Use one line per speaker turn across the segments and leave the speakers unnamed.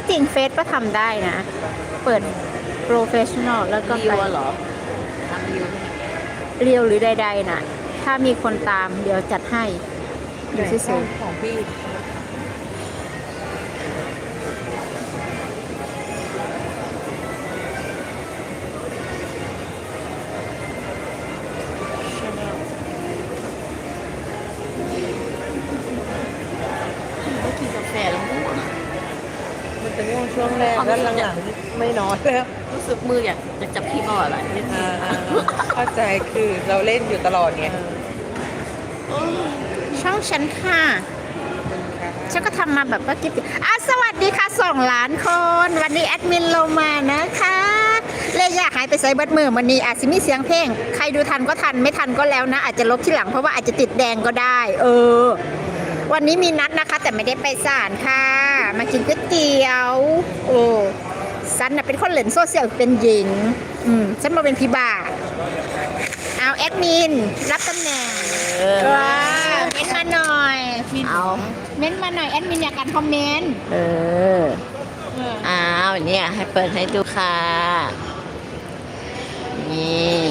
ที่จริงเฟซก็ทำได้นะ เปิดโปรเฟชชั่นอลแล้วก็
รี
ไป
วเหรอทำรีว
เรียวหรือใดๆนะถ้ามีคนตามเดี๋ยวจัดให้อยู่เฉย
ของพี่ไม่กินกาแฟแล้วง่วง
มันจะง่วงช่วงแรกแล้วหลังๆไม่นอนแล้ว
รู้สึกมืออยากจะจับพี่บ่ออะไรนิดนึง
เข้าใจคือเราเล่นอยู่ตลอดไง
ๆช่องฉันค่ะ ฉันก็ทำมาแบบว่ากิ๊บสวัสดีค่ะ2 ล้านคน วันนี้แอดมินลงมานะคะเลยอยากหายไปใส่เบิดมือวันนี้อาจจะมีเสียงเพลง ใครดูทันก็ทันไม่ทันก็แล้วนะ อาจจะลบที่หลังเพราะว่าอาจจะติดแดงก็ได้ วันนี้มีนัดนะคะ แต่ไม่ได้ไปศาลค่ะ มากินก๋วยเตี๋ยวฉันน่ะเป็นคนเล่นโซเชียลเป็นหญิงฉันมาเป็นพี่บ่าเอาแอดมินรับตำแหน่งว้าเม้นมาหน่อย
เอา
เม้นมาหน่อยแอดมินอยากอ่านคอมเมนต์
อ้าวเนี่ยให้เปิดให้ดูค่ะ นี่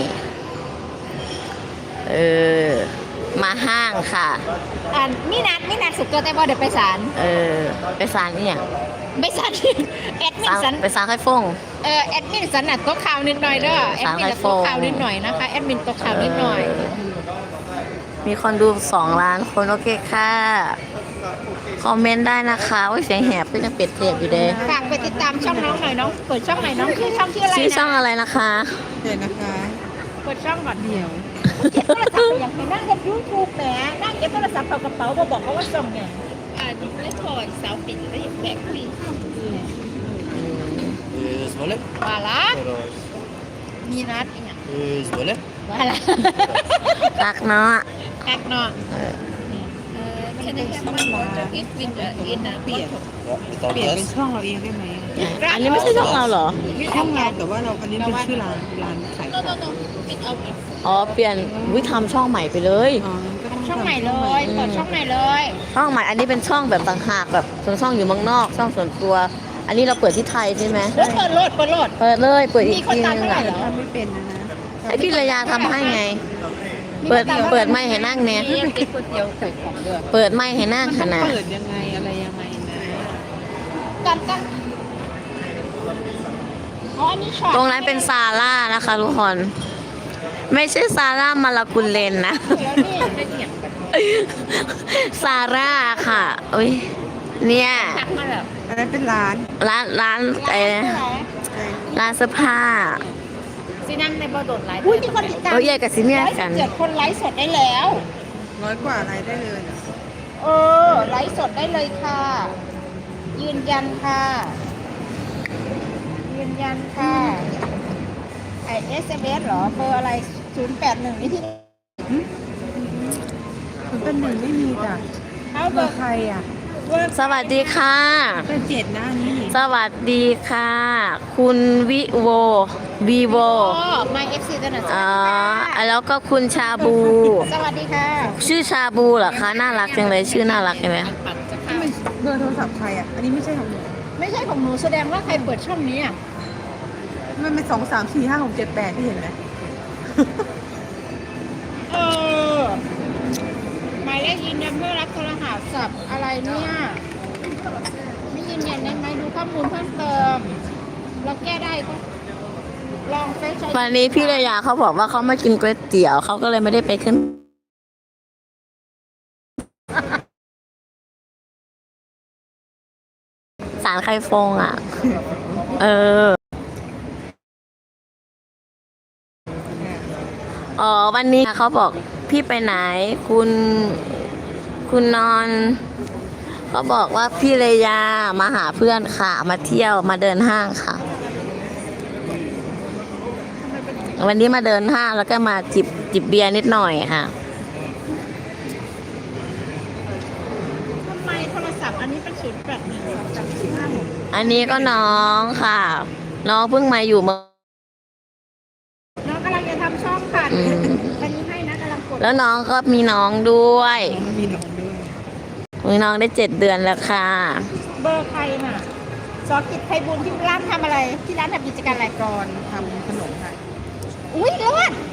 มาห้างค่ะ
มีนัดสุดตัวแต่บอเดี๋ยวไปศาล
ไปศาลนี่อย่าง
ไม่ศาลแอดมินสัน
ไปศาลไข่ฟง
แอดมินสันน่ะตกข่าวนิดหน่อยเด้อแอดมินน่ะตกข่าวนิดหน่อยนะคะแอดมินตกข่าวนิดหน่อย
มีคนดู2 ล้านคนโอเคค่ะ คอมเมนต์ได้นะคะว่าเสียงแหบก็ยังเป็ดเทียบอยู่เด้
ฝากไปติดตามช่องน้องหน่อยน้องเปิดช่องไหนน้องชื่อช่องชื่ออะไร
ชื่อช่อง
นะ
อะไรนะคะ
เดี๋ยวนะคะ
เปิดช่องก่อน
เดี๋ยว
เก็บโทรศัพท์ไปอย่างไรนั่งเก็บยูทูบแหมนั่งเก็บโทรศัพท์เข้ากระเป๋าบอกเขาว่าส่งเนี่ยไม่ถอดสาวปิดแล้วแบกคุย
Izvoli.
ว่าละ
Pero,
มีนัดอีกอย่าง
izvoli.
ว่าละ
รักเนาะ
แอกเนาะ
ฉันจะต้องมาเปลี่ยน
Ja,
เปลี่ยน
betaalt
เป็น
rest.
ช่องเราเองได้ไหม
อันนี้ไม่ใช่ช่องเราเหรอ
ช่องเราแต่ว่าเราอันนี้เป็นชื่อร้านขายของ
อ๋อ เปลี่ยนวิทำช่องใหม่ไปเลย
อ๋อก็ต้อง
ช่องใหม่เลยเปิดช่องใหม่เลย
ช่องใหม่ อันนี้เป็นช่องแบบต่างหากแบบส่วนช่องอยู่เมืองนอก ช่องส่วนตัว อันนี้เราเปิดที่ไทยใช่ไหม
แล้วเปิดโหลด
เปิดเลย เปิดอีก
มีคน
ที
ตาม
นึง
เท่าไหร่
อะ
เหรอ
ทำไม่เป็นนะ
ให้พี่ระยาทำให้ไง เปิดไม่ให้นั่งเนี่ย
นี่ยังกินก๋วยเตี๋ยวไข่ของเดือด
เปิดไม่ให้นั่ง
มัน
ข
ต้อง
นาด
เปิดยังไงอะไรยังไงนะ
กันอ๋ออันนี้ช็อต
ตรงนั้นเป็นซาร่านะคะทุกคน ไม่ใช่ซาร่ามาลากุลเลนนะ
แล้วนี่ไม่เหี่ยงกัน
ซาร่าค่ะอุ้ยเนี่ย
ทักมาแบบ
อันนั้นเป็นร้าน
ร้านร้านเสื้อผ้า
ซีนั่งในบ่อโดดไลฟ์อุ้ยมีคนติดตาม
ใหญ่กับซิเมียกัน
117 คนไลฟ์สดได้แล้ว
100 กว่าอะไรได้เลย
ไลฟ์สดได้เลยค่ะ ยืนยันค่ะ ยืนยันค่ะSMS เหรอเบอร์อะไร 081นี่ที่
มันเป็นหนึ่งไม่มีจ้ะ
เอาเบ
เบ
อ
อ
ร์
ร์ใครอ่ะ
สวัสดีค่ะ
เป็น7นะอันนี้
สวัสดีค่ะ คุณวิโววีโว
My FC ตัวหนึ่ง
อ๋อแล้วก็คุณชาบู
สวัสดีค่ะ
ชื่อชาบูเหรอคะน่ารักจังเลยชื่อน่ารักใช่ไหม
ปัดจะ
นี่
เข้า
มันเบอร์โทรศัพท์ใครอ่ะ อันนี้ไม่ใช่ของหนู
ไม่ใช่ของหนูแสดงว่าใครเปิดช่องนี้อ่ะ
มันเป็น2 3 4 5 6 7 8ที่เห็นไหม
เออหมายเลขยืนยันเพื่อรับโทรศัพท์อะไรเนี่ย ไม่ยืนยันได้ไหมดูข้อมูลเพิ่มเติม เราแก้ได้ก็ลองเฟซใช้
วันนี้พี่ระยาเขาบอกว่าเขามากินก๋วยเตี๋ยวเขาก็เลยไม่ได้ไปขึ้นศาลไข่ฟงอ่ะ อ๋อวันนี้เขาบอกพี่ไปไหน คุณนอนเขาบอกว่าพี่เลยามาหาเพื่อนค่ะ มาเที่ยวมาเดินห้างค่ะ วันนี้มาเดินห้างแล้วก็มาจิบเบียร์นิดหน่อยค่ะ
ทำไมโทรศัพท์อันนี้เป็น081
อันนี้ก็น้องค่ะ น้องเพิ่งมาอยู่เมือง
น้องกำลังจะทำช่องค่ะ
อืม
อันนี้ให้นะกำลังกด
แล้วน้องก็มีน้องด้วย
มีหนองด้วย
มีน้องได้7 เดือนแล้วค่ะ
เบอร์ใครน่ะ 2 อกิจไพบุญที่ร้านทำอะไร ที่ร้านทำกิจการอะไร
ก่อนทำขนมค่ะ
อุ้ยเลิศ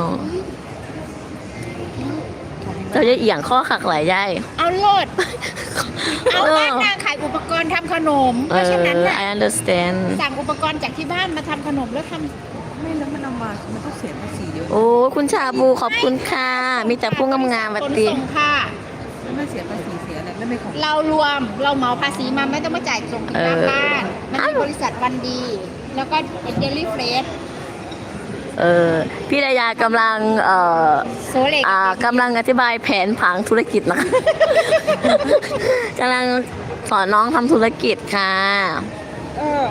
เจ้าจะเอียงข้อขักหลายย่าย
เอาเลิศเอาบ้านนางขายอุปกรณ์ทำขนมเพราะฉะนั้นน่ะ
I understand
สั่งอุปกรณ์จากที่บ้านมาทำขนมแล้วท
ไม่แล้วมันเอามามันต้องเสียภาษีเยอะ
โอ้คุณชาบูขอบคุณค่ะ มีแต่ผู้งามๆ
ำ
วั
ข
ด
น
ดี
ส่งค่ะ
แล้วไม่เสียภาษีเสียอะไรแล้วไม่ของ
เรารวมเราเหมาภาษีมาไม่ต้องมาจ่ายส่งถึงหน้าบ้าน มันมีบริษัทวันดี แล้วก็เดลิเฟรช
พี่ดายากำลัง
โซเล็ก
กำลังอธิบายแผนผังธุรกิจนะคะ กำลังสอนน้องทำธุรกิจค่ะ
เออ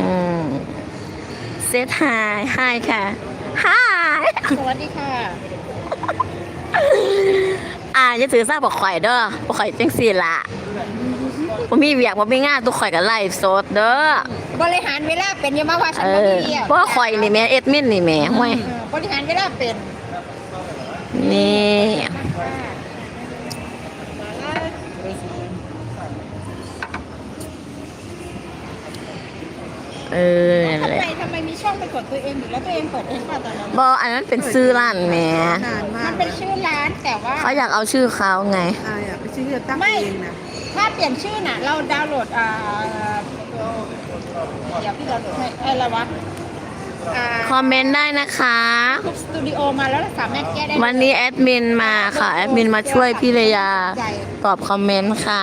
เซตไฮค่ะไฮ
สวัสดีค่ะ
จะถือซาบอกข่อยเด้อบอกข่อยจังสี่ละผมมีเวียกผมมีงานตุกข่อยกับไลฟ์สดเด้อบ
ริหารเวลาเป็นอยังมาว่าฉันไม่ดีอ่ะ
เพราะว่าข่อยนี่แม่เอ็ดมินนี่แม่ห่วย
บริหารเวลาเป็น
นี่นั่นแหละ
ทำไมมีช่องเป็นกดตัวเองอยู่แล้วตัวเองเปิดเองป่ะตอนนั้น
บออันนั้นเป็นซื้อร้านแม่
นานมา
มั
ก
นเป็นชื่อร้านแต่ว่า
เขาอยากเอาชื่อเขาไง
อายอ่ะไปซื้อจะตั้งเองนะ
ถ้าเปลี่ยนชื่อน่ะ เราดาวน์โหลดเดี๋ยวพี่ดาวน์โหลดให้อะไรวะ
คอมเมนต์ได้นะคะ
ทุกสตูดิโอมาแล้วเราสามารถแก้ได้
วันนี้แอดมินมาค่ะ แอดมินมาช่วยพี่เลยาตอบคอมเมนต์ค่ะ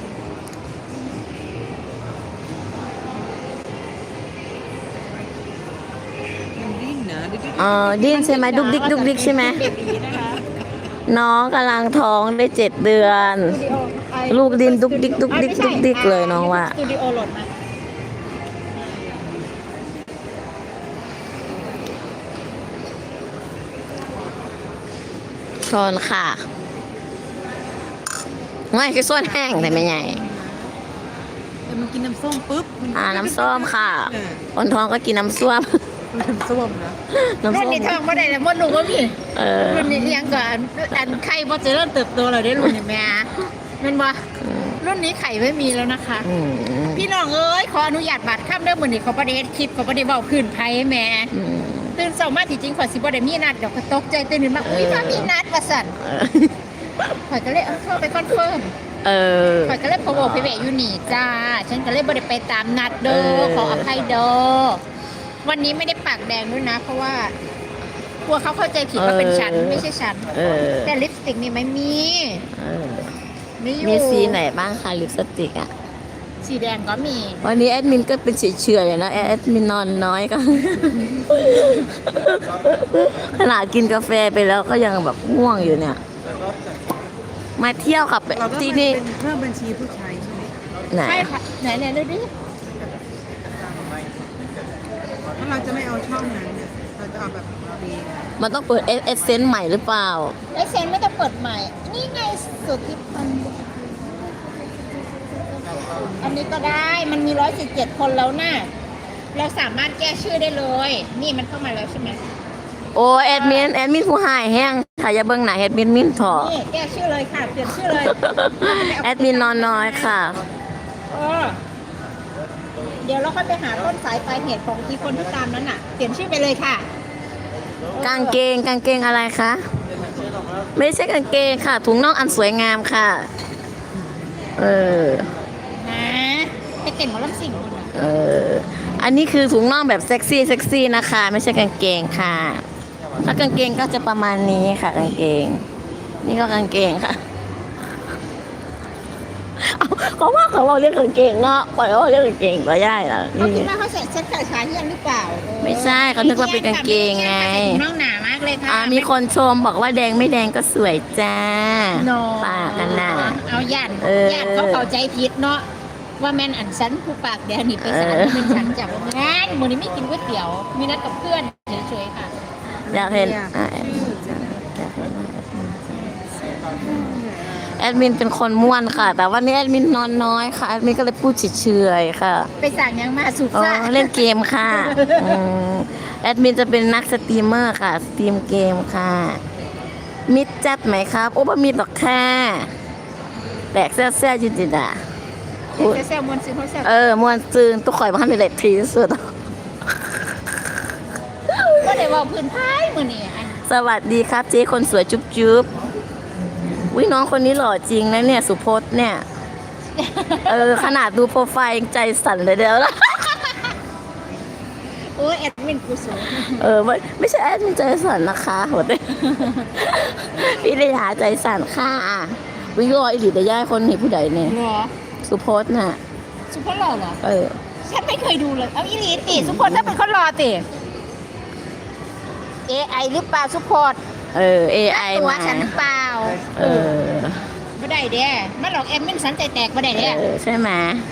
มันดิ้นนะดิ้น
ดิ้นใช่ไหมดุกดิกดุกดิกใช่ไหม
เบบีนะคะ
น้องกำลังท้องได้7 เดือน
สตูดิโอไอ้
ลูกดิ้นดุกดิกดุกดิกดุกดิกเลยน้องว่า
สตูดิโอโหลดมา
ชนค่ะไม่คือส้นแห้งแต่ไม่ใหญ่
แต่มันกินน้ำส้มปุ๊บมัน
น้ำส้มค่ะคนท้องก็กินน้ำส้ม
น้ำส้มนะ
น้ำ
รุ่
ส้
น
ม
นี้ทองไม่ได้เลยมดลูกว่าพี่ รุ่นนี้ยังก่อนอันไข่บ่จะเริ่มเติบโตเลยได้รุ่นนี้แม่แมันบ่รุ่นนี้ไข่ไม่มีแล้วนะคะ พี่น้องเอ้ยขออนุญาตบัตรข้ามเด้อมื้อนี้ขอประเด็นคลิปขอประเด็นเว้าพื้นไผแม่ตื่นเช้ามาที่จริงข่อยสิบ่ได้มีนัดดอกก็ตกใจตื่นขึ้นมาอุ้ยถ้ามีนัดว่าซั่นข่อยก็เลยเอาเข้าไปคอนเฟิร์มข่อยก็เลยพะโวไปแวะอยู่นี่จ้าฉันก็เลยบ่ได้ไปตามนัดเด้อขออภัยเด้อวันนี้ไม่ได้ปากแดงด้วยนะ เพราะว่ากลัวเขาเข้าใจผิดว่าเป็นฉันไม่ใช่ฉันแต่ลิปสติกนี่ไม่มีมีอยู่
มีสีไหนบ้างคะลิปสติกอ่ะ
สีแดงก็มี
วันนี้แอดมินก็เป็นเฉยๆนะแอดมินนอนน้อยก็ ขนาดกินกาแฟไปแล้วก็ยังแบบง่วงอยู่เนี่ย มาเที่ยวกับ
เราก็
ที่
เป็น
นี่
เพิ่มบัญชีผู้ใช้ใช่ไหม
ไหน
ใช่ค่ะไหนดูดิ
ถ้าเราจะไม่เอาช่องนั้นเนี่ยเราจะเอาแบบฟรีนะ
มันต้องเปิดเอสเซนต์ใหม่หรือเปล่า
ไอเซนไม่ต้องเปิดใหม่ นี่ไงสุดที่พันอันนี้ก็ได้มันมี117 คนแล้วนะเราสามารถแก้ชื่อได้เลย นี่มันเข้ามาแล้วใช่ไหม
โอ้แอดมินผู้หายแห้งถ่ายอย่าเบิ่งหนาแอดมินถอ
นี่แก้ชื่อเลยค่ะเปลี่ยนชื่อเลย
แอดมินนอนน้อยค่ะ
เออเดี๋ยวเราค่อยไปหาต้นสายปลายเหตุของที่คนที่ตามนั้นน่ะ เปลี่ยนชื่อไปเลยค่ะ
กางเกงอะไรคะ ไม่ใช่กางเกงค่ะ ถุงน่องอันสวยงามค่ะ
นะไปเต้นหมอลำสิ่งคนน่ะ
อันนี้คือถุงน่องแบบเซ็กซี่นะคะ ไม่ใช่กางเกงค่ะ ถ้ากางเกงก็จะประมาณนี้ค่ะกางเกง นี่ก็กางเกงค่ะเขาว่าเขาเรียกกางเกงเนาะปล่อยเขาเรียกกางเกงก็ได้ล่ะ
เขาคิดว่าเขาใส่เซ็ตขาขาเฮียนหรือเปล่า
ไม่ใช่เขานึกว่าเป็นกางเกงไง
น้องหนามากเลยค่ะ
มีคนชมบอกว่าแดงไม่แดงก็สวยจ้า
โน
ปากกันน่ะ
เอาย่าน
เออ
ย่านเขาเข้าใจผิดเนาะว่าแม่นอันฉันผู้ปากแดงนี่ไปสารเป็นฉันจากงานมื้อนี้ไม่กินก๋วยเตี๋ยว มีนัดกับเพื่อนเฉยๆค่ะ
อยากเห็นแอดมินเป็นคนม่วนค่ะ แต่วันนี้แอดมินนอนน้อยค่ะแอดมินก็เลยพูดเฉยๆค่ะ
ไปสั่งยังมาสุด
อ๋อ
ซ่า
เล่นเกมค่ะแอดมินจะเป็นนักสตรีมเมอร์ค่ะ สตรีมเกมค่ะ มิดจัดไหมครับ โอ้บะมิดหรอกค่ะแตกเสื้อจิตๆอ่ะ
แซลมอนซื้อเขาแซล
มวนซืนตุกข่อยบ้านในเล็ดทีที่สุด
ก็ได้ว่าพื้นท้ายมือนี่
สวัสดีครับเจ๊คนสวยจุ๊บจุ๊บวิน้องคนนี้หล่อจริงนะเนี่ยสุพจน์เนี่ย ขนาดดูโปรไฟล์ยังใจสั่นเลยเดี๋ยวละ
โอ้ยแอดมินกูสูง
ไม่ใช่แอดมินใจสั่นนะคะหัวเต้ พี่เลยหาใจสั่นค่ะวิรออีหลีแต่ย่ายคนนี้ผู้ใดเนี่ย
เหรอ
สุพจน์น่ะ
สุพจน์หล่อเหรอ
เ
ฉันไม่เคยดูเลยเอาอีหลีติสุพจน์ถ้าเป็นคนรอติ AI หรือเปล่าสุพจน์
AI
ตัว
มา
ฉันหรือเปล่าไม่ได้เด้มาหลอกแอดมินฉันใจแตกไม่ได้เด้
ใช่ไหม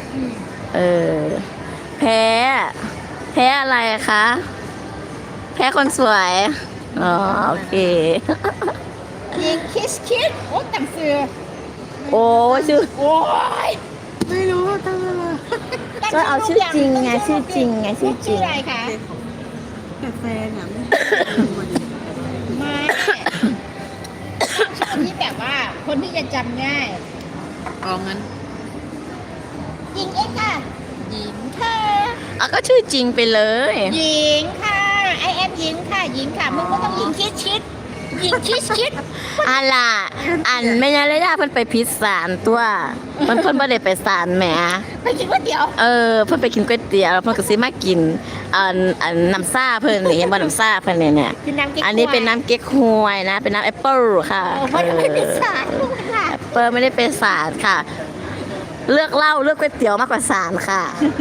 แพ้อะไรคะ แพ้คนสวย อ๋อ โอเค
ยิงคิดโอ้ตังซื้อ
โอ้ชื่อ
โอ้ย
ไม่รู้ตั้งอะไร
ก็เอาชื่อจริงไงชื่อจริงไงชื่อจริ
ชื่อง อะไรคะ
แต่แฟนอ่ะไม่
ชื่อที่แบบว่าคนที่จะจำง่าย
เอางั้น
ยิงเอ็กซ์ค่ะหญิงค่ะ
ก็ชื่อจริงไปเลย
หญิงค่ะไอแอมหญิงค่ะหญิงค่ะมึงก็ต้องยิงคิดยิงคิด
อันล่ะอันไม่งั้นเลยย่าเพิ่นไปพิษสารตัวเพิ่นบ่ได้ไปศาลแหม
ไปกินก๋วยเตี๋ยว
เพิ่นไปกินก๋วยเตี๋ยวแล้วเพิ่นก็สิมากินอันน้ำซ่าเพิ่นนี่เห็นบ่น้ำซ่าเพิ่นเนี่ย
คือน้ำเก๊ก
อันนี้เป็นน้ำเก๊กฮวยนะ เป็นน้ำแอปเปิ้ลค่ะ
ไม่ได้เป็นสารค่ะ
แอปเปิ้ลไม่ได้เป็นสารค่ะ เลือกเหล้าเลือกก๋วยเตี๋ยวมากกว่าสารค่ะ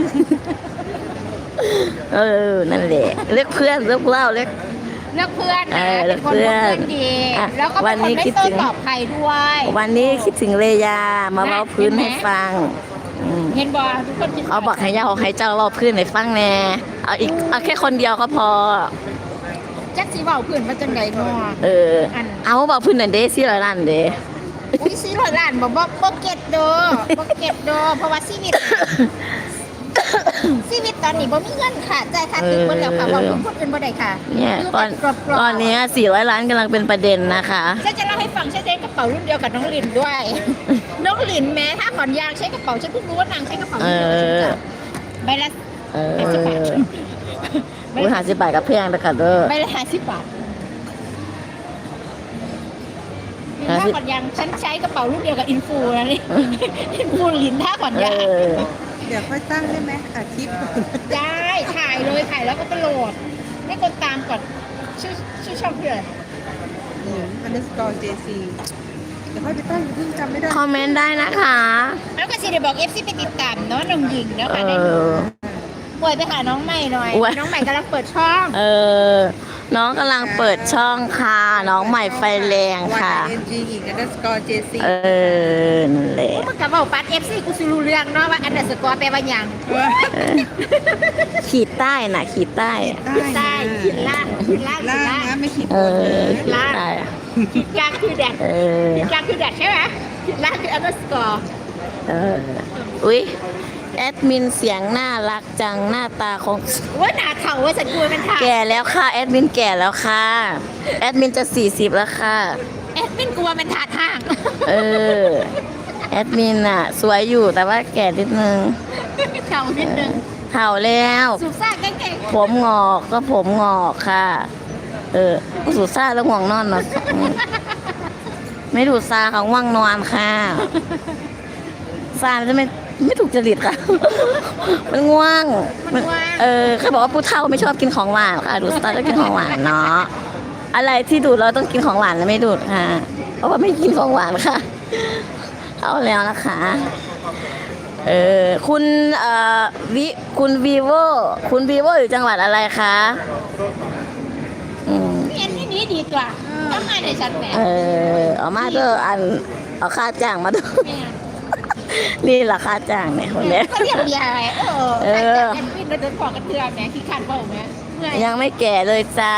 นั่นแหละเลือกเพื่อนเลือกเหล้าเลือก
เลือกเพื่อนนะ
เลื
เป็
อน ก
คน
เพื่
เลื
อ
อน กเพื่อนดี
อ่ะ
แล้วก็
วั
เป็น น
นี้
คนไม่
คิด
โต้
ถึง
ตอบใครด้วย
วันนี้คิดถึงเลยามาเล่าพื้นให้ฟัง
เห็นบอทุกคนคิด
เอาบอกให้ย่าของให้เจ้าเล่าพื้นให้ฟังแน่เอาแค่คนเดียวก็พอ
จักสีเบาเพื่อนมาจังไดเนาะ
เอาบอกพื้นนั่นเด้สิละนั่นเด้
อุ้ยซื้อร้อยล้านบ่เก็ตโดเพราะว่าชีวิตตอนนี้บ่มีเงินค่ะจ่ายค่าตึกหมดแล้วค่ะว่าคนอื่นบ่ได้ค่ะ
เนี่ย
คือ
ตอนนี้400 ล้านกำลังเป็นประเด็นนะคะ
ฉันจะเล่าให้ฟังฉันใช้กระเป๋ารุ่นเดียวกับน้องลินด้วย น้องลินแม้ถ้าขอนยางใช้กระเป๋าฉันเพิ่งรู้ว่านางใช้กระเป๋ารุ่นเดียวกับฉันจ้ะใบละ
อุ้ย50 บาทกับเพียงนะคะเด้อ
ใบละ50 บาทถ้าขอนยางฉันใช้กระเป๋ารุ่นเดียวกับอินฟูนะนี่ อินฟูลินถ้าขอนยาง
เดี๋ยวค่อยตั้งได้ไหมอาทิตย์
ได้ถ่ายเลยถ่ายแล้วก็ไปโหลดให้คนตามก่อนชื่อช่องคืออะไร
underscore JC เดี๋ยวค่อยไปตั้งอย่าเพิ่งจำไม่ได้
คอมเมนต์ได้นะคะ
แล้วก็สิเดี๋ยวบอก FC ไปติดตามเนาะน้องหญิงเนาะค่ะได้ดูป่วยไปหาน้องใหม่หน่อย น้องใหม่กำลังเปิดช่อง
น้องกำลังเปิดช่องค่ะ น้องใหม่ไฟแรงค่ะ
YNG อีก underscore JC
นั่นแหละ
มันกับว่าปัด FC กูสิรู้เรื่องเนาะว่าอันดับสกอร์แปลว่าหยัง
ขีดใต้น่ะขีดใต้
ใต้ขีดล่างขีดล่างขี
ล่า
ด
ง
ล่าง
นะไม่ขีด
เอบ
น
อ
นะ
ขีดใต้อะ
ขีดกลางคือแดด
เออ
ขีดกลางคือแดดใช่ไหมขีดล่างคืออันดับสกอร์
อุ๊ยแอดมินเสียงน่ารักจังหน้าตาของ
ว่าหนาเข่าว่าฉันกลัวมันถ่าย
แก่แล้วค่ะแอดมินแก่แล้วค่ะแอดมินจะ40แล้วค่ะ
แอดมินกลัวมันถ่าทาง
แอดมินอะสวยอยู่แต่ว่าแก่นิดนึง
เข่านิดนึง
เข่าแล้ว
สูบซ่าเก่ง
ผมงอกก็ผมงอกค่ะ ก็สูซ่าแล้วง่วงนอนเนาะไม่ดูซาเขาง่วงนอนค่ะซามันจะไม่ถูกจริตค่ะ มันง่วงเขาบอกว่าผู้เฒ่าไม่ชอบกินของหวานค่ะ ดูซาก็กินของหวานเนาะอะไรที่ดูดเราต้องกินของหวานแล้วไม่ดูดค่ะ เพราะว่าไม่กินของหวานค่ะ เอาแล้วนะคะคุณคุณวีโวอยู่จังหวัดอะไรคะ
ๆเรียนที่นี้ดีกว่าทำงานในชั้นแหม
เอามาเด้อเอาค่าจ้างมาเด้อนี่ราคาจ้างเนี่ยคนเนี้ย
ก็เรียกเบียร์อะไรแอดมินเราเดินขอกระเทือนแหมขี้ขันเปล่าแหมเมื่อย
ยังไม่แก่เลยจ้า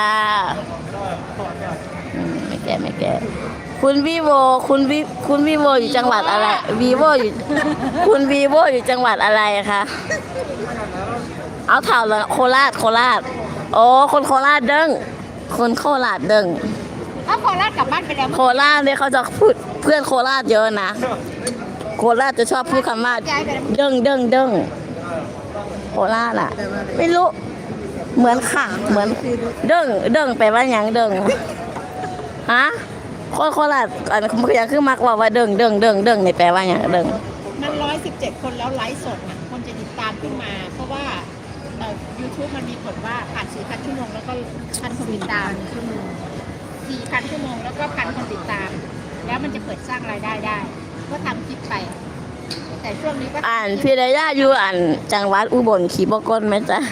ไม่แก่คุณวีโวอยู่จังหวัดอะไรคุณวีโวอยู่จังหวัดอะไรคะเอาเถ่าเลยโคราชโอ้คนโคราชเด้งคนโคราชเด้ง
ถ้าโคราชกลับบ้านไปแล้ว
โคราชเนี่ยเขาจะพูดเพื่อนโคราชเยอะนะโคราชจะชอบพูดคำว่าเด้งเด้งเด้งโคราชอ่ะ ไม่รู้ เหมือนค่ะ เหมือนเด้งเด้งแปลว่าหยังเด้งฮะโคราชอันยังคือมักว่าเด้งเด้งเด้งเด้งนี่แปลว่าหยังเด้ง
มัน117 คนแล้วไลฟ์สดน่ะคนจะติดตามขึ้นมา เพราะว่าYouTube มันมีผลว่าผ่าน4,000 ชั่วโมงแล้วก็พันคนติดตาม4,000 ชั่วโมงแล้วก็พันคนติดตาม แล้วมันจะเปิดสร้างรายได้ได้ ก็ทำคลิปไป แต่ช่วงนี้ก็
อ่านพี่ระยะอยู่อ่านจังหวัดอุบลขี่บกลไหมจ๊ะ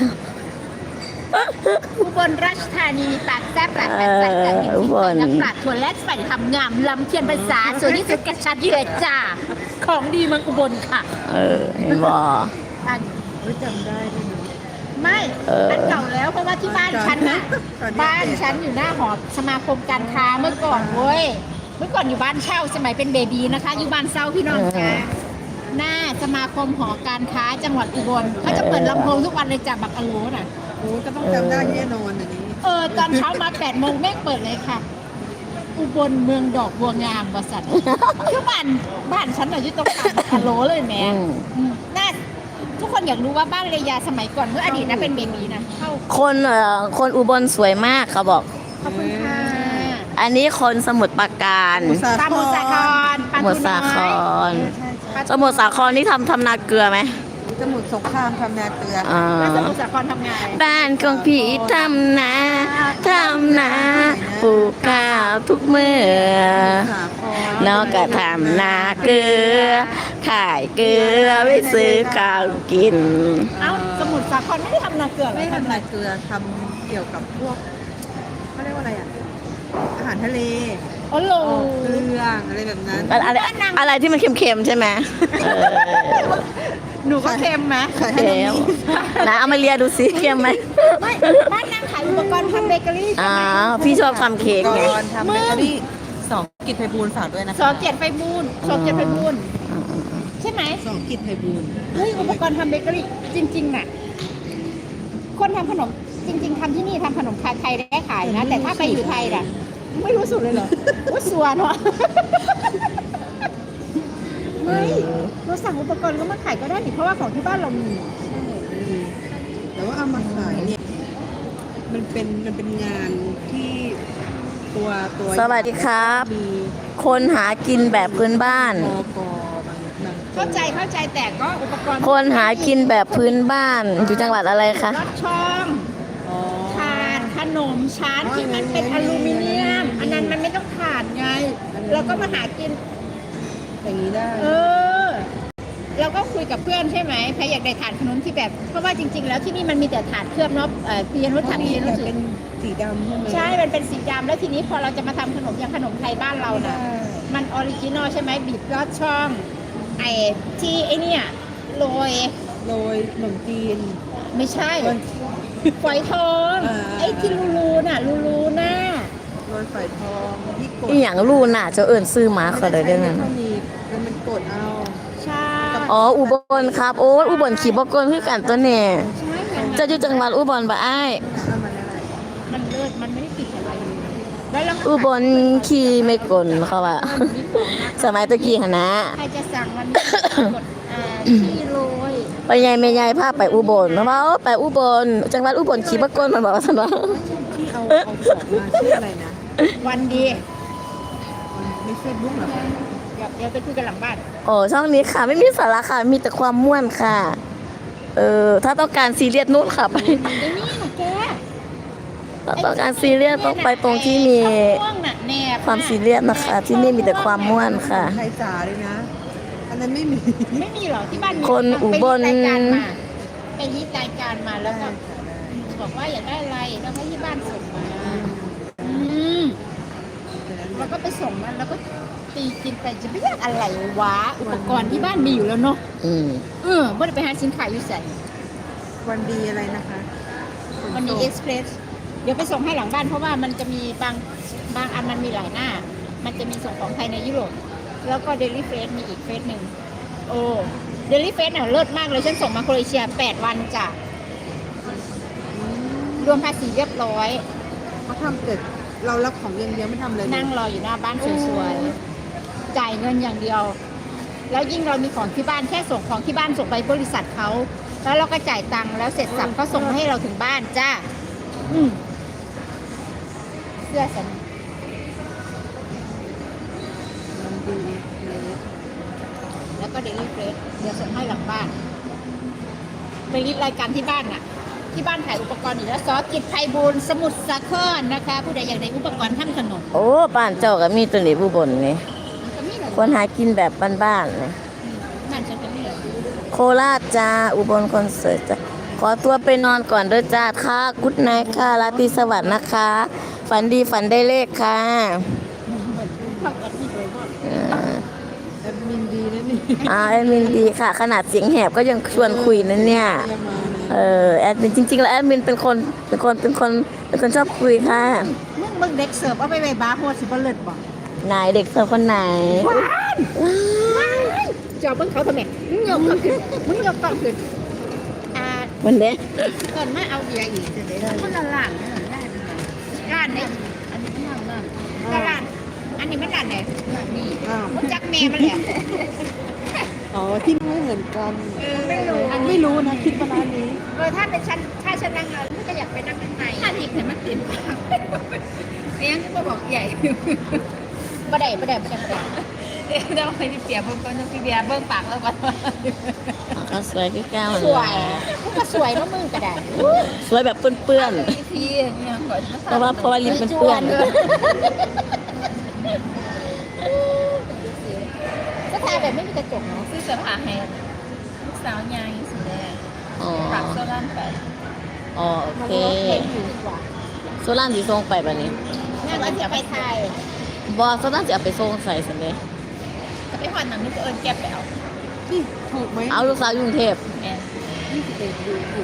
อุบลราชธานีปากแซ่บปากแซ่บปากแซ่บ
อุบล
น้ำปลาถั่วและใส่ทำงามลำเทียนภาษาส่วนที่สุดกระชัดเยือจ้าของดีเมืองอุบลค่ะ
เห็นบ่
อัน
จำได้ด้วยนะ
ไม่ อันเก่าแล้วเพราะว่าที่บ้านฉันน่ะ
ตอนนี้
บ้านฉันอยู่หน้าหอสมาคมการค้าเมื่อก่อนเว้ย เมื่อก่อนอยู่บ้านเช่าสมัยเป็นเบบีนะคะ อยู่บ้านเช่าพี่น้องจ้าหน้าสมาคมหอการค้าจังหวัดอุบลเขาจะเปิดลำโพงทุกวันเลยจากบักอะโลน่ะ
โอ้ก็ต้องจำได้แน่นอนอันนี้
ตอนเช้ามา8 โมงแม่งเปิดเลยค่ะ อุบลเมืองดอกบัวงามบริษัทคือบ้านฉันน่ะอยู่ตรงกลางบักอะโลเลยแม่น่าทุกคนอยากรู้ว่าบ้านเรยาสมัยก่อนเมื่ออดีตนะเป็นเบบีนะเข้า
คนอุบลสวยมากเขาบอก
ขอบคุณค่ะ
อันนี้คนสมุทรปราการ
ปลาหมูสาครปลา
สมุทรสาครสมุทรสาครนี่ทำนาเกลือไหม
สมุทรสงครามทำนาเกลือ
อ่า
แล้วสมุทรสาครทำไง
บ้านของพี่ทำนาปลูกข้าวทุกเมื่อ
สาคร
น้องก็ทำนาเกลือ ขายเกลือไว้ซื้อข้าวกิน
เอ้าสมุทรสาครไม่ได้ทำนาเกลือเหรอ
ไม่ทำนาเกลือทำเกี่ยวกับพวกเขาเรียกว่าอะไรอ่ะอาหารทะเล
อ๋อโหล
เครื่องอะไรแบบนั้น
อะไรที่มันเค็มๆใช่ไหมเออ
หนูก็เค็มไหม
ขายให้
เค็มนะเอามาเลียดูสิเค็มไหม
ไม่บ้านนางขายอุปกรณ์ทำเบเกอรี่
อ๋อพี่ชอบทำเค้ก
ก่
ไง
อนทำเบเกอรี่2 กิจไพบูลย์ฝากด้วยนะคะ
สอเกียรติไฟบูลย์สอเกียรติไฟบูลย์ใช่ไหม
2 กิจไพบูลย์
เฮ้ยอุปกรณ์ทำเบเกอรี่จริงๆน่ะคนทำขนมจริง ๆทำที่นี่ทำขนมไทยได้ขายนะ แต่ถ้าไปอยู่ไทยน่ะไม่รู้สุดเลยเหรอว่าสัวเนาะไม่เราสั่งอุปกรณ์ก็มาขายก็ได้นี่เพราะว่าของที่บ้านเรามี
แต่ว่าเอามาขายเนี่ยมันเป็นงานที่ตัว
สวัสดีครับ
มี
คนหากินแบบพื้นบ้าน
มกบาง
เข้าใจแต่ก็อุปกรณ์
คนหากินแบบพื้นบ้านอยู่จังหวัดอะไรคะ
รถช่อง
อ๋อ
ถาดขนมชั้นที่มันเป็นอลูมิเนียม อันนั้นมันไม่ต้องถาดไงเราก็มาหากิน
อย่างนี้ได้
เราก็คุยกับเพื่อนใช่ไหมใครอยากได้ถาดขนมที่แบบ เพราะว่าจริง ๆ แล้วที่นี่มันมีแต่ถาดเคลือบเนาะเพียนรถถาด
มี
เพียนร
แต่
ถ
เป็นสีดำใช่ไหม
ใช่ มันเป็นสีดำแล้วทีนี้พอเราจะมาทำขนมอย่างขนมไทยบ้านเราน่ะ มันออริจินอลใช่ไหมบีบยอดช่องไอ้ที่ไอ้เนี่ยโรย
โรยขนมจีน
ไม่ใช่
โรย
ฝอยทอง
อ่า
ไอ้ที่รูน่ะรูหน้า
โรยฝอยทองที่กด
อีหยังรูน่ะเจ้าเอิญซื้อมาเขาเลยได้ไหม
ไม่ต้องมีมันกดเอา
ใช่
อ๋ออุบลครับ โอ้ยอุบลขี่บกลคือกันตัวเนี่ย
ใช่ค่ะ
จะอยู่จังหวัดอุบลปะอ้าย
เอามาได้
มันเลิศมันไม่ได้ติดอะไรเลยแล้วเรา
อุบลขี่ไม่กลเขาว่า สมัยตะกี้หนนะ
ใครจะสั่งวันนี้กดที่โรย
ไปยายแม่ยายพาไปอุบลเพราะว่าโอ้ไปอุบลจังหวัดอุบลขี่บกลมันบอกว่าสนว่า
ที่เอาของมาชื่ออะไรนะ
วันดี
ในเฟซบุ๊กเหรอคะ
เดี๋ยวไปคุยกันหลังบ้าน
โอ้ช่องนี้ค่ะ ไม่มีสาระค่ะ มีแต่ความม่วนค่ะ ถ้าต้องการซีเรียสนู่นค่ะไป
ไอ้นี่น่ะแก
ถ้าต้องการซีเรียสต้องไปตรงที่มี
ช่องม่วงน่ะแนบ
ความซีเรียสนะคะ ที่นี่มีแต่ความม่วนค่ะ
ไทยจ๋าเลยนะ อันนั้นไม่มี
ไม่มีหรอที่บ้านมี
คนอุบล
ไปรีดรายการมาไปรีดรายการมาแล้วก็บอกว่าอยากได้อะไรแล้วให้ที่บ้านส่งมาแล้วก็ไปส่งมันแล้วก็ตีกินไปจะไม่อยากอะไรวะอุปกรณ์ที่บ้านมีอยู่แล้วเนาะ
อืม
ไม่ได้ไปหาสินค้าอยู่ใส่
วันดีอะไรนะคะ
วันนี้เอ็กซ์เพรสเดี๋ยวไปส่งให้หลังบ้านเพราะว่ามันจะมีบางอันมันมีหลายหน้า มันจะมีส่งของไทยในยุโรปแล้วก็เดลิเฟสมีอีกเฟสหนึ่งโอ้เดลิเฟสเนี่ยเลิศมากเลยฉันส่งมาโครเอเชีย8 วันจ้ะรวมภาษีเรียบร้อย
เขาทำเกิดเรารับของอย่างเดียวไม่ทำเลย
นั่งรออยู่หน้าบ้านสวยๆจ่ายเงินอย่างเดียวแล้วยิ่งเรามีของที่บ้านแค่ส่งของที่บ้านส่งไปบริษัทเขาแล้วเราก็จ่ายตังค์แล้วเสร็จสับเขาส่งมาให้เราถึงบ้านจ้าเสื้อฉัน
มันดีเลย
แล้วก็เดลิเฟรชเดี๋ยวส่งให้หลังบ้านไปรีบรายการที่บ้านน่ะ ที่บ้านขายอุปกรณ์อยู่แล้วซอสกิจไพบูลย์สมุทรสาครนะคะผู้ใดอยากได้อุปกรณ์ทำขนม
โอ้บ้านเจ้าก็มีตัวนี้ผู้บนนี่
มันก็มีหลาย
คนหากินแบบบ้านๆนี่
บ้านฉันก็มีหลาย
โคราชจ้าอุบลคอนเสิร์ตจ้าขอตัวไปนอนก่อนเด้อจ้าค่ะกุ๊ดไนท์ค่ะราตรีสวัสดิ์นะคะ ฝันดีฝันได้เลขค่ะ
เข้ากันที่โดยรอบ
แอดมินดีนะนี่
แอดมินดีค่ะ ขนาดเสียงแหบก็ยังชวนคุยนะเนี่ย
จะมานะ
แอดมินจริงๆแล้วแอดมินเป็นคนชอบคุยค่ะ
มึงเด็กเสิร์ฟเอาไปไว้บาร์โฮสสิบ่เลิศบ่
ไหนเด็กเสิร์ฟคนไหน
จอบเบิ่งเขาทำไมมึงยกกล้องขึ้นมึงยกกล้องขึ้น
วันนี้
เกินมาเอาเบียร์อีกจะได้เลยมันละล้านเนี่ยร้านเนี่ยอันนี้มันร้านอันนี้มันร้านไหนนี่
อ้าว
มันจักแม่มันแหละ
อ๋อที่ไม่เหมือนกัน
ไม่รู้
อันไม่รู้นะคิดว่าร้านนี้
ถ้าเป็นฉันถ้าฉันนั่งแล้วฉันก็อยากไปนั่งข้างในถ้าทีเห็นมันติดปากเสียงก็บอกใหญ่บ่ได้เดี๋ยวไปที่เปียเบิ่งก่อนพี่เบียร์เบิ่งปากแล้วก่อน
ก็สวยพี่ก้าว
สวยมันก็สวยเนาะมึงก็ได้
สวยแบบเปื้อน
พี่เนี่ยก่อน
ๆเพราะว่าลิ้นเป็นเปื้อน
ก็ทาแบบไม่มีกระจกเนาะ
ซื้อเสื้อผ้าให้ลูกสาวยายสีแดง
อ๋อ
ฝากโซล่านไป
อ๋อโอเค
อยู่ดีกว่า
โซล่านสีส่งไปแบบนี้
แม่ว่าจะไปไทย
บอโซล่านจะเอาไปส่งใส่สิเลย
จะไปหอดหนังนึกเอิญแก็บไปเอา
นี่ถูกไหม
เอาลูกสาวอยู่กรุงเทพ
แอน
21ดูถูก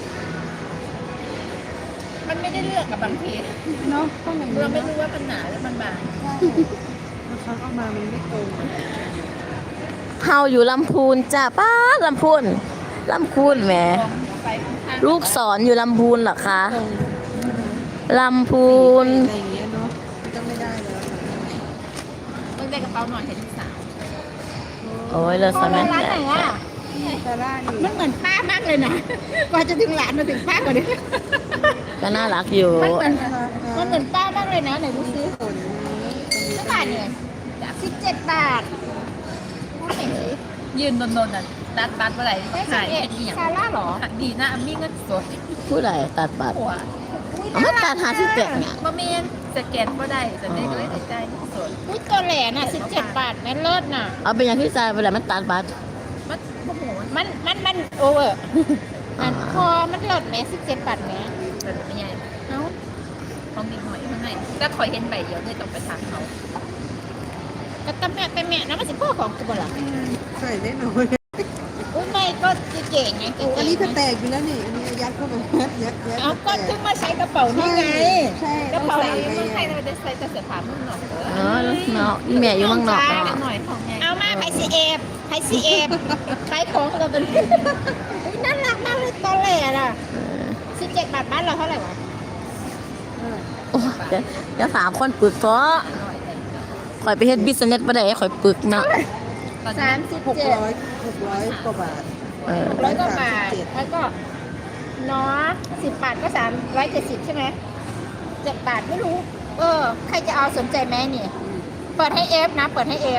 มันไม่ได้เลือกกับบางที
เนาะต้องอย่างนี้
เราไม่
เนาะ
รู้ว่ามันหนาหรือมันบาง
บางครั้งเอามามันไม่ตรง
เฮาอยู่ลำพูนจ้าป้าลำพูนแหม
ไปข้าง
ลูกสอนอยู่ลำพูนเหรอคะ
ตรง
ลำพูน
อะไรอย่างเงี้ยเนาะก็ไม่ได้แล้ว
ต้องได้กระเป๋าหน่อยให้ลูกสาว
โอ้ยเลิศสมัย
ร้านไหนอ่ะ
ซาร่านี่
มันเหมือนป้ามากเลยนะกว่าจะถึงร้านมาถึงป้ากว่านี้
ก็น่ารักอยู่
มันเหมือนป้ามากเลยนะไหนดูซิ
ผล
เท่าไหร่เนี่ย17 บาทพูดหน่อยสิ
ยืนโดนๆน่ะตัดบัตรเมื่อไหร่
ได้
หาย
11
เป็นอหย่าง
ซาร่าเหรอ
ดีนะมีเงินสด
ผู้ใดตัดบัตร
หัว
เอามาตัดหาที่เจ็ดเนี่ย
บ่เมนสแกนก็ได้แต่ได้ก็เลยได้ใจสด
อุ้ยตัวแหลน่ะ17 บาทแม่เลิศน่ะ
เอาเป็นอย่างที่ใจไปแล้วมันตัดบัตร
มันโอ้โห
มันโอเวอร์อันพอมันเลิศแม่17 บาทแม่
แบบไม่ใหญ่
เอ้า
ของนิดหน่อยข้างในก็คอยเห็นใบเดียวเลยต้องไปถามเขา
ก็ตะแม่นะมันสิพ่อของกูบ่ล่ะ
ใส่ได้น้อย
อุ้ยไม่ก็เก่งไงเก่ง
อันนี้ก็แตกอยู่แล้วนี่อันนี้ยัดเข้าไปยัด
เอาก็เพิ่งมาใช้กระเป๋านี่ไง
ใช่
กระเป๋า
ใส่เมืองไทยเราจะใส่แต่เสื้อผ้าเมืองนอก
เออแล้วเนาะอีแม่อยู่เมืองนอก
ห
เนาะ
น่อยของไง
เอามาไผ่ซีเอฟขายของเราเป็นน่ารักมากเลยตอนแหลน่ะ17 บาทบ้านเราเท่าไหร่วะ
โอ้ยเดี๋ยว3 คนปึกเพราะข่อยไปเฮ็ดบิสเนสบ่ได้ข่อยปึกเนาะ
600
37
กว่าบาท
600 กว่าบาทแล้วก็เนาะ10 บาทก็370ใช่ไหม7 บาทไม่รู้ใครจะเอาสนใจไหมนี่เปิดให้เอฟนะเปิดให้เอฟ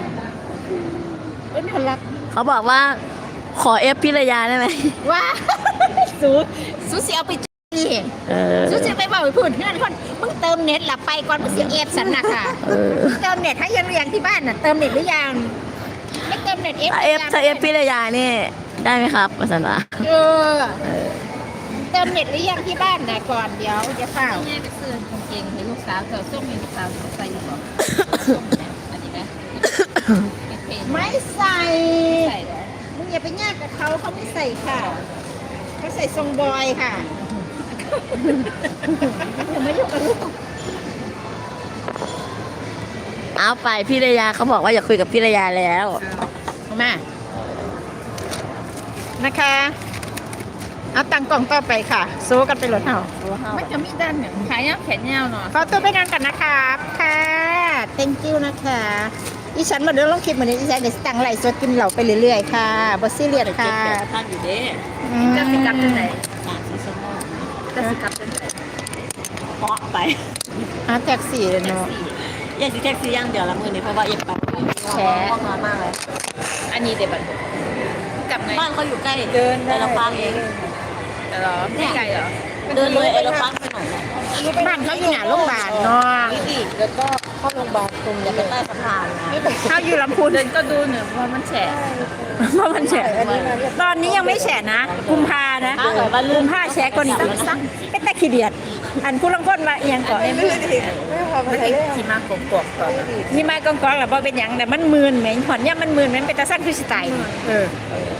เป็นคนรัก
เขาบอกว่าขอเอฟพิรยาได้ไหม
ว้าสูสิเอาไปจี
เออ
สูสิไปบอกไปพูดเพื่อนคนมึงเติมเน็ตหลับไปก่อนมึงเสียเอฟสันนะค่ะ เติมเน็ตให้ยังเรียงที่บ้านน่ะเติมเน็ตหรือยังไม่เติมเน็ตเอฟ
ถ้าเอฟพิรยานี่ได้ไหมครับภาษาละ
เติมเน็ตหรือยังที่บ้านนะก่อนเดี๋ยวจะเฝ้า
แม่ไปซื้อกางเกงให้ลูกสาวเธอส้มมีลูกสาวใส่อยู่ก่อนอันนี้นะเป็น
ไม่ใส่
ใส่แล้ว
มึงอย่าไปแยกกับเขาไม่ใส่ค่ะเขาใส่ทรงบอยค่ะอย่ามายุ่งกับลูก
เอาไปพิรยาเขาบอกว่าอยากคุยกับพิรยาแล้ว
มานะคะเอาตังกล่องต่อไปค่ะโซกันไปรถเห่า
มันจะมีด้านเนี่ยขายยาวแขนยาวเนาะ
ขอตัวไปนอนก่อนนะครับค่ะ thank you นะคะอีฉันมาเดินลงคลิปมานี้อีฉันจะตั้งไลฟ์สดกินเหล้าไปเรื่อยๆค่ะบ่ซีเรียสค่ะ
ท่านอยู่เด้
จะสิกลับจังไหน
3-4 ชั่วโมง
จะสิกลับจังไหน
เพาะไป
แท็กซี่เลยเนาะ
อยากสิแท็กซี่อย่างเดียวละมื้อนี้เพราะว่าอยากไปง่วงนอนมากเลย
อันนี้เดี๋ยวบัดกลับไง
บ้านเขาอยู่ใกล้เดินไปละฟังเอง
เหรอไม่ไกลเหรอ
เดินเลยเอลฟังไปหน่อยนะ
บ้านเขาอยู่หน้าโรงพยาบาลเนาะ
แล้วก็เข้าโรงพยาบาลตรง
อย่าไปใต้สะพานนะ
เขาอยู่ลำพูน
เดินก็ดูหนึ่งว่ามันแฉะ
เพราะมันแฉะตอนนี้ยังไม่แฉะนะกุมภานะ
ถ้าเกิดว่าลื
กุ
ม
มภาแฉะก็นี่ซักเป็นตะขี้เดียดอันผู้ลังก้นว่าเอียงก่อน
ไม่ลื่นอีกไม่พอมา
มัน
ใช้
เอง
เรื่อง
ที่มากกอกก่อน
นี่มากองกองๆแหละพอเป็นหยังแต่มันมืนเหม็นหอนเนี่ยมันมืนมันเป็นตาสั้นคือสไตล์เออ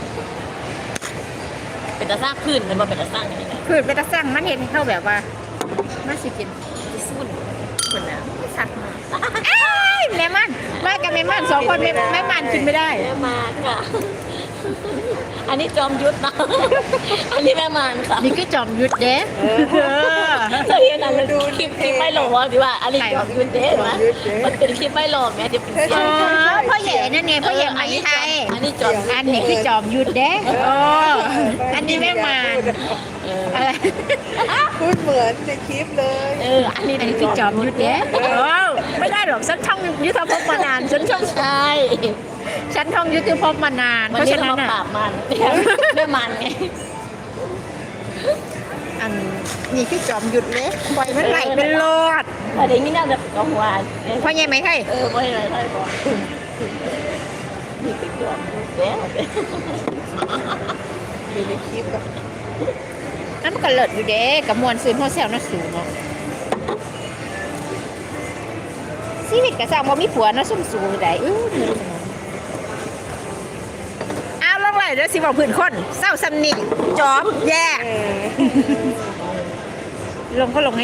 เป็นตะสร้างขึ้นเป็นบ่เป็นตะสร้างอย่างนี้นะ
คือเป็นตาสั้นมันเห็นเข้าแบบว่ามันสิกินสุ่นคนน่ะสักมาอ้ายแม่มันมากับแม่มันสองคนแม่มันกินไม่ได้
แม่มานค่ะ อันนี้จอมยุทธนะ อันนี้แม่มานค่ะ
นี่คือจอมยุทธเด้เออ
เคยเห็นอันนั้นคลิปไม่หลอกดีว่าอันนี้จอมยุทธเด้ไหมมันเป็นคลิปไม่หลอกไงที่เป็นเสีย
อ๋
ง
อพ่อใหญ่นั่นไงพ่อใหญ่ไหมไทย
อันนี้จอมยุทธ
อันนี้คือจอมยุทธเด้โอ้อันนี้แม่มานอะไร
พูดเหมือนในคลิปเลย
อันนี้คือจอมยุทธเด้โอ้ไม่ได้หรอกฉันท่องยุทธภพมานานฉันท่อง
ใช่
ฉันท่องยุทธภพมานาน
วัน
เพราะ
นี้
ฉะ
เรา
นั้น
มาปรา
อ่ะ
บมันแม่มันไง
อันนี่คือจอมยุทธเลยปล่อยมันไหลเป็นโลด
แต่เดี๋ยวนี้น่าจะกองวาน
พ่อใหญ่ไหมไทย
ไม่อะไรใช่ปะนี่เป็นจอมยุทธแล้ว
อยู่ในคลิปอะ
นั่นมันก็เลิศอยู่เด้กับมวลซื้อพ่อแซวน่าสูงเนาะชีวิตกระซังบ่มีผัวเนาะซุ่มสูงได้เอาลงไหลเด้อสิบอกพื้นคนเศร้าซ้ำนี่จอบแย่
เออ
ลงก็ลง